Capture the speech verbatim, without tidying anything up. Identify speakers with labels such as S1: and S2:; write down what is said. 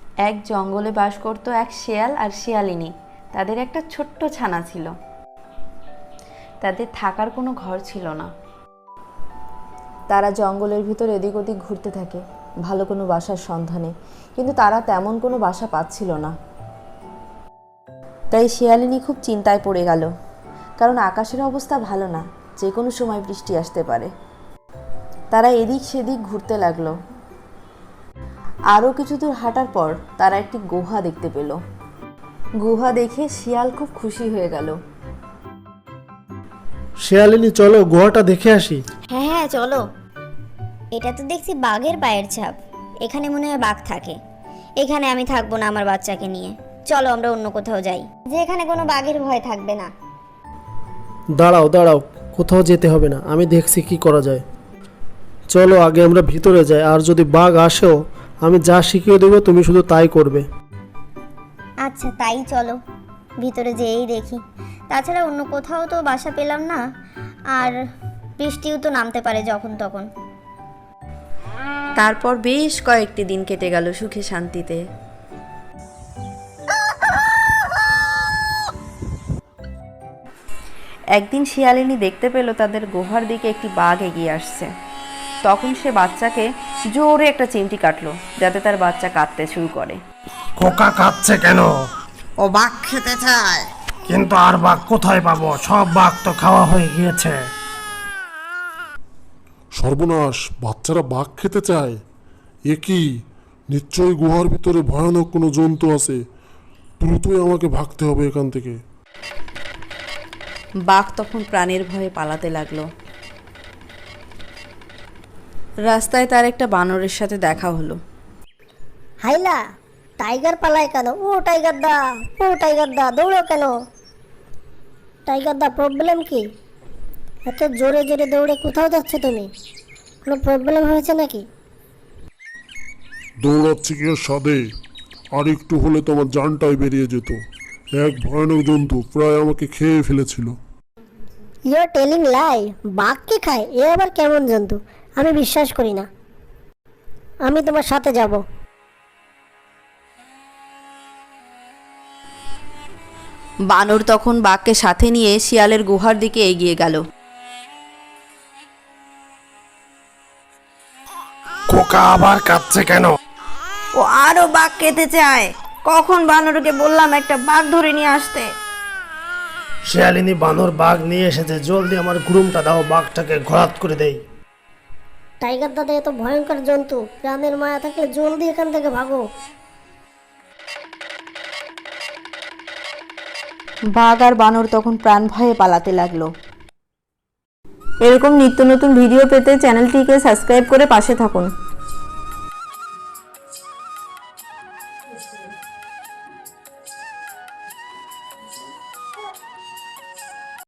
S1: এক জঙ্গলে বাস করত এক শেয়াল আর শিয়ালিনী। তাদের একটা ছোট্ট ছানা ছিল। তাদের থাকার কোনো ঘর ছিল না।
S2: তারা জঙ্গলের ভিতর এদিক ওদিক ঘুরতে থাকে ভালো কোনো বাসার সন্ধানে, কিন্তু তারা তেমন কোনো বাসা পাচ্ছিল না। তাই শিয়ালিনী খুব চিন্তায় পড়ে গেল, কারণ আকাশের অবস্থা ভালো না, যে কোনো সময় বৃষ্টি আসতে পারে। তারা এদিক সেদিক ঘুরতে লাগলো। আরও কিছু দূর হাঁটার পর তারা একটি গুহা দেখতে পেল। গুহা দেখে শিয়াল খুব খুশি হয়ে গেল।
S3: শিয়ালিনী, চলো গুহাটা দেখে আসি।
S4: হ্যাঁ হ্যাঁ চলো। এটা তো দেখছি বাঘের পায়ের ছাপ। এখানে মনে হয় বাঘ থাকে। এখানে আমি থাকবো না আমার বাচ্চাকে নিয়ে। চলো আমরা অন্য কোথাও যাই, যেখানে কোনো বাঘের ভয় থাকবে না।
S3: দাঁড়াও দাঁড়াও, কোথাও যেতে হবে না, আমি দেখছি কি করা যায়। চলো আগে আমরা ভিতরে যাই, আর যদি বাঘ আসেও আমি যা শিখিয়ে দেবো তুমি শুধু তাই করবে।
S4: আচ্ছা তাই চলো, ভিতরে যেয়েই দেখি। তাছাড়া অন্য কোথাও তো বাসা পেলাম না, আর বৃষ্টিও তো নামতে পারে যখন তখন।
S1: তারপর বেশ কয়েকটি দিন কেটে গেল সুখে শান্তিতে। একদিন শিয়ালিনী দেখতে পেল তাদের গুহার দিকে একটি বাঘ এগিয়ে আসছে। তখন সে বাচ্চাকে জোরে একটা চিমটি কাটলো, যাতে তার বাচ্চা কাঁদতে শুরু করে।
S5: খোকা কাঁদছে কেন?
S6: ও বাঘ খেতে চায়।
S5: কিন্তু আর বাঘ কোথায় পাবো? সব বাঘ তো খাওয়া হয়ে গিয়েছে।
S7: সর্বনাশ, বাচ্চারা বাঘ খেতে চায়? এ কি? নিশ্চয়ই গুহার ভিতরে ভয়ানক কোনো জন্তু আছে। দ্রুতই আমাকে ভাগতে হবে এখান থেকে।
S1: বাঘ তখন প্রাণের ভয়ে পালাতে লাগলো। রাস্তায় তার একটা বানরের সাথে দেখা হলো।
S4: হাইলা, টাইগার পালায় কেন? ও টাইগার দা, ও টাইগার দা, দৌড়ো কেন? টাইগার দা, প্রবলেম কি? এত জোরে জোরে দৌড়ে কোথাও যাচ্ছে তুমি? কোনো প্রবলেম হয়েছে নাকি?
S7: দৌড়াচ্ছি কি আর সাধে? আর একটু হলে তোমার জানটাই বেরিয়ে যেত। এক ভয়ানক জন্তু প্রায় আমাকে খেয়ে ফেলেছিল।
S4: You are telling lie. বাঘ কে খায়? এ আবার কেমন জন্তু? আমি বিশ্বাস করি না। আমি তোমার সাথে যাব।
S1: বানর তখন বাঘকে সাথে নিয়ে শিয়ালের গুহার দিকে এগিয়ে গেল।
S5: খোকা আবার কাঁদছে কেন?
S1: ও আরো বাঘ খেতে চায়। কখন বানরকে বললাম একটা বাঘ ধরে নিয়ে আসতে।
S5: শিয়ালিনী, বানর বাঘ নিয়ে এসেছে, জলদি আমার গুরুমটা দাও, বাঘটাকে ঘোরাত করে দেই।
S4: টাইগার দাদা, এত ভয়ঙ্কর জন্তু, প্রাণের মায়া থাকলে জলদি এখান থেকে ভাগো।
S2: বাঘ আর বানর তখন প্রাণ ভয়ে পালাতে লাগলো। এরকম নিত্য নতুন ভিডিও পেতে চ্যানেলটিকে সাবস্ক্রাইব করে পাশে থাকুন।